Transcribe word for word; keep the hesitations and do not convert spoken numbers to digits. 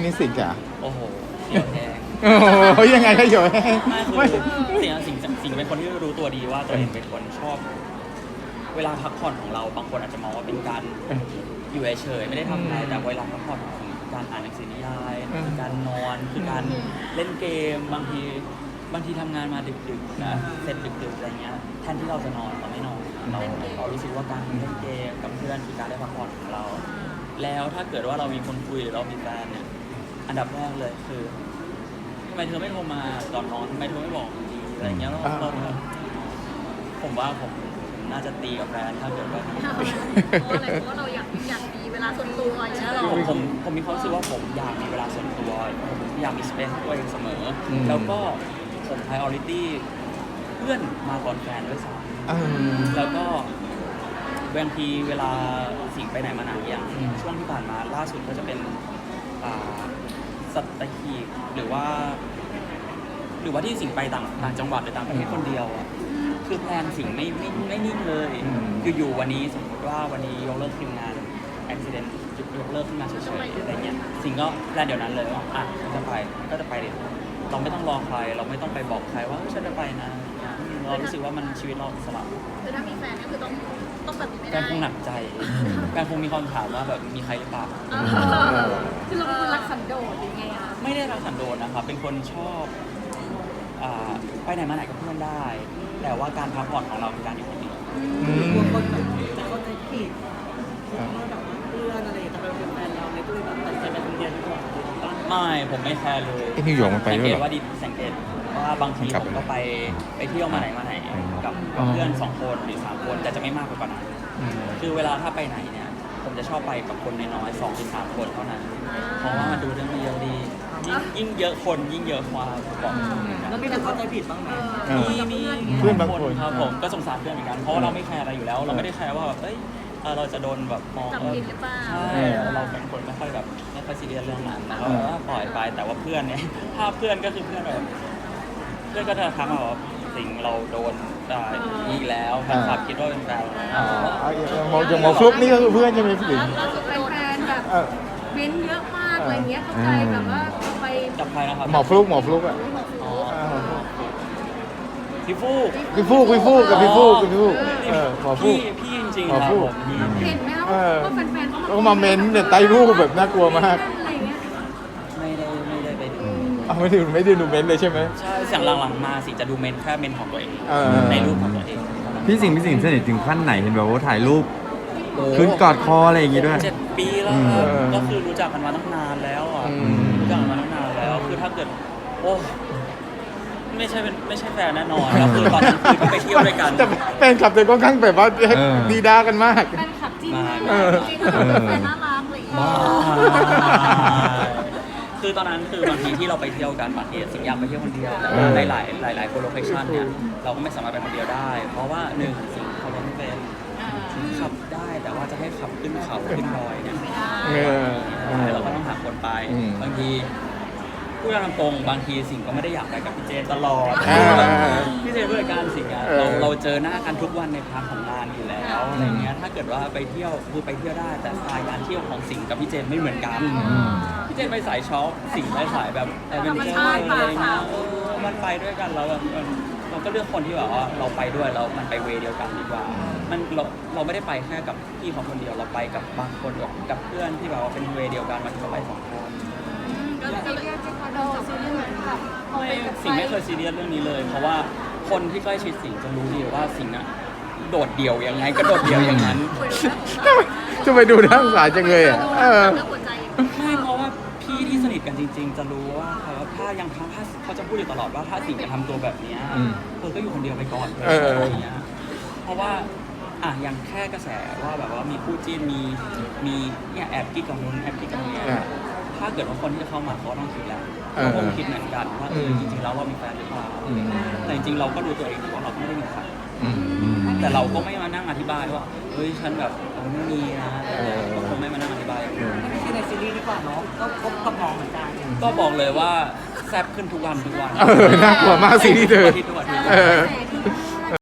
นี่สิงจ๋าโอ้โหเหี่ยวแห้งโอ้โหยังไงก็เหี่ยวแห้งไม่คือสิ่งสิ่งสิ่งเป็นคนที่รู้ตัวดีว่าตัวเองเป็นคนชอบ เวลาพักผ่อนของเราบางคนอาจจะมองว่าเป็นการอยู่เฉยๆไม่ได้ทำอะไรแต่เวลาพักผ่อนคือการอ่านหนังสือนิยายคือการนอนคือการเล่นเกมบางทีบางทีทำงานมาดึกๆนะเสร็จดึกๆอะไรเงี้ยแทนที่เราจะนอนเราไม่นอนเราเรารู้สึกว่าการเล่นเกมกับเพื่อนคือการได้พักผ่อนของเรา แล้วถ้าเกิดว่าเรามีคนคุยหรือเรามีแฟนเนี่ยอันดับแรกเลยคือทำไมเธอไม่โทรมาก่อนนอนทำไมเธอไม่บอกดีอะไรเงี้ยเราเราผมว่าผมน่าจะตีกับแฟนถ้าเกิดว่าเพราะอะไรเพราะว่าเราอยากอยากมีเวลาส่วนตัวอย่างเงี้ยหรอผมผมผมมีความรู้สึกว่าผมอยากมีเวลาส่วนตัวผมอยากมีสเปซให้ตัวเองเสมอ แล้วก็ผม priority เพื่อนมาก่อนแฟนด้วยซ้ำแล้วก็บางทีเวลาสิ่งไปไหนมาไหนอย่างช่วงที่ผ่านมาล่าสุดก็จะเป็นสัตหีบหรือว่า หรือว่าที่สิ่งไปต่างต่างจังหวัดหรือต่างประเทศคนเดียวอ่ะคือแพลนสิ่งไม่ไม่ไม่นิ่งเลยอยู่ๆวันนี้สมมติว่าวันนี้ยกเลิกทีมงานอุบิเหตุยกเลิกขึ้นมาเฉยๆอะไรเงี้ยสิ่งก็แพลนเดี๋ยวนั้นเลยว่าอ่ะจะไปก็จะไปเดี๋ยวเราไม่ต้องรอใครเราไม่ต้องไปบอกใครว่าฉันจะไปนะเรารู้สึกว่ามันชีวิตเราอิสระคือถ้ามีแฟนก็คือต้องต้องแบบนี้ไม่แฟได้นคงหนักใจแฟนคงมีความถามว่าแบบมีใครหรือเปล่าคือเราเป็นคนรักสันโดษหรือไงอะไม่ได้รักสันโดษนะครับเป็นคนชอบอ่าไปไหนมาไหนกับเพื่อนได้ แต่ว่าการพักผ่อนของเราคือการอยู่คนเดียวกลัวคนแบบจะเข้าใจผิดว่าแบบว่าเพื่อนอะไรจะไปเป็นแฟนเราในตัวแบบตัดใจไปคนเดียวดีกว่าไม่ผมไม่แคร์เลยไอ้นิวยอร์กมันไปสังด้วยเกเหรอตว่าดิสังเกตว่าบางทีผมก็ไปไปเที่ยวมาไหนมาไหนกับกับเพื่อนสองคนหรือสามคนแต่จะไม่มากกว่านั้นคือเวลาถ้าไปไหนเนี่ยผมจะชอบไปกับคนน้อยๆสองถึงสามคนเท่านั้นเพราะว่ามันดูเรื่องมันเยอะดียิ่งยิ่งเยอะคนยิ่งเยอะความบอกแล้วมีแต่เข้าใจผิดบ้างไหมมีมีเพื่อนบางคนครับผมก็สงสารเพื่อนเหมือนกันเพราะว่าเราไม่แคร์อะไรอยู่แล้ว เราไม่ได้แคร์ว่าแบบเอ้ยเอ่อเราจะโดนแบบมองจับว่าผิดหรือเปล่าใช่เราเป็นคนไม่ค่อยแบบไม่ค่อยซีเรียสเรื่องนั้นนะก็แบบว่าปล่อยไปแต่ว่าเพื่อนเนี่ย ถ้าเพื่อนก็คือเพื่อนแบบเพื่อนก็จะทักมาว่าสิ่งเราโดนด่าอีกแล้วแฟนคลับคิดว่าเป็นแฟนอ๋อมองอย่างหมอฟลุกนี่ก็คือเพื่อนใช่ไหมพี่หญิงล่าสุดแฟนๆแบบเออเม้นเยอะมากอะไรเงี้ยเข้าใจแบบว่าไปจับใครนะครับหมอฟลุกหมอฟลุกอ่ะอ๋อพี่ฟูกพี่ฟูกพี่ฟูกกับพี่ฟูกกับพี่ฟูกเออหมอฟูพี่กพี่จริงหมๆอครับฟูกผมพี่เห็นไหมคะเออว่าแฟนๆเขามาเม้นเนี่ยไต้รูปแบบน่ากลัวมากอะไรเงี้ยไม่ได้ไม่ได้ไปดูเอาไม่ได้ไม่ได้ดูเม้นเลยใช่ไหมใช่เสียงหลังๆมาสิจะดูเมนแค่เมนของตัวเองเออในรูปของตัวเองพี่สิงห์พี่สิงห์สนิทถึงขั้นไหนเห็นแบบว่าถ่ายรูปขึ้นกอดคออะไรอย่างงี้ด้วยเจ็ดปีแล้วครับเออก็คือรู้จักกันมาตั้งนานแล้วอ่ะอืมรู้จักกันมาตั้งนานแล้ว คือถ้าเกิดโอ้ไม่ใช่เป็นไม่ใช่แฟนแน่นอนก็คือตอนนั้นคือที่ไปเที่ยวด้วยกันแต่แฟนคลับเธอก็ข้างแบบว่าเออดีด้ากันมากแฟนคลับจริงมาเออจริงๆคือแฟนน่ารักอะไรอย่างเงี้ยคือตอนนั้นคือบางทีที่เราไปเที่ยวกันบางทีสิ่งอยากไปเที่ยวคนเดียวแต่ว่าหลายหลายหลายๆคนโลเคชั่นเนี่ยเราก็ไม่สามารถไปคนเดียวได้ เพราะว่าหนึ่งสิ่งเขาไม่เป็นขับได้แต่ว่าจะให้ขับขึ้นเขาขึ้นดอยเนี่ยเออเราก็ต้องหาคนไปอืมบางทีพูดตามตรงบางทีสิ่งก็ไม่ได้อยากไปกับพี่เจนตลอดอ่าพี่เจนผู้จัดการสิ่งอะเออเราเราเจอหน้ากันทุกวันในพาร์ทของงานอยู่แล้วอะไรเงี้ยถ้าเกิดว่าไปเที่ยวคือไปเที่ยวได้แต่สไตล์การเที่ยวของสิ่งกับพี่เจนไม่เหมือนกันพี่เจนไปสายช็อปสิ่งไปสายแบบแอดเวนเจอร์อะไรเงี้ยเออมันไปด้วยกันแล้วแบบมันเราก็เลือกคนที่แบบว่าเราไปด้วยแล้วมันไปเวย์เดียวกันดีกว่ามันเราเราไม่ได้ไปแค่กับพี่เขาคนเดียวเราไปกับบางคนกับกับเพื่อนที่แบบว่าเป็นเวย์เดียวกันมันก็ไปสองคนก็เลยเรียกเป็นคอนโดซีรีส์เหมือนแบบเอาไม่ไปกับสิ่งไม่เคยซีเรียสเรื่องนี้เลย เพราะว่าคนที่ใกล้ชิดสิ่งจะรู้ดีว่าสิ่งน่ะโดดเดี่ยวยังไงก็โดดเดี่ยวอย่างนั้นจะไปดูน่าสงสารจังเลยอ่ะเออเรื่องหัวใจไม่เพราะว่าพี่ที่สนิทกันจริง ๆ จะรู้ว่าเขาถ้ายังทำถ้าเขาจะพูดอยู่ตลอดว่าถ้าสิ่งจะทำตัวแบบเนี้ยอืมเธอก็อยู่คนเดียวไปก่อนเอออะไรอย่างเงี้ยเพราะว่าอ่ะอย่างแค่กระแสว่าแบบว่ามีคู่จิ้นมีมีเนี่ยแอบกิ๊กกับนู้นแอบกิ๊กกับนี้อ่ะถ้าเกิดว่าคนที่จะเข้ามาเขาก็ต้องคิดแล้วเออเขาคงคิดเหมือนกันว่าเอออืมจริงๆแล้วเรามีแฟนหรือเปล่าอืมแต่จริงๆเราก็รู้ตัวเองว่าเราไม่ได้มีใครอืมแต่เราก็ไม่มานั่งอธิบายว่าเฮ้ยฉันแบบเออไม่มีนะก็คงไม่มานั่งอธิบายอย่างนี้ไม่ใช่ในซีรีส์ดีกว่าเนาะก็คบกับน้องเหมือนกันก็บอกเลยว่าแซ่บขึ้นทุกวันทุกวันเออน่ากลัวมากซีรีส์เธอทุกอาทิตย์ทุกอาทิตย์เออแต่คือ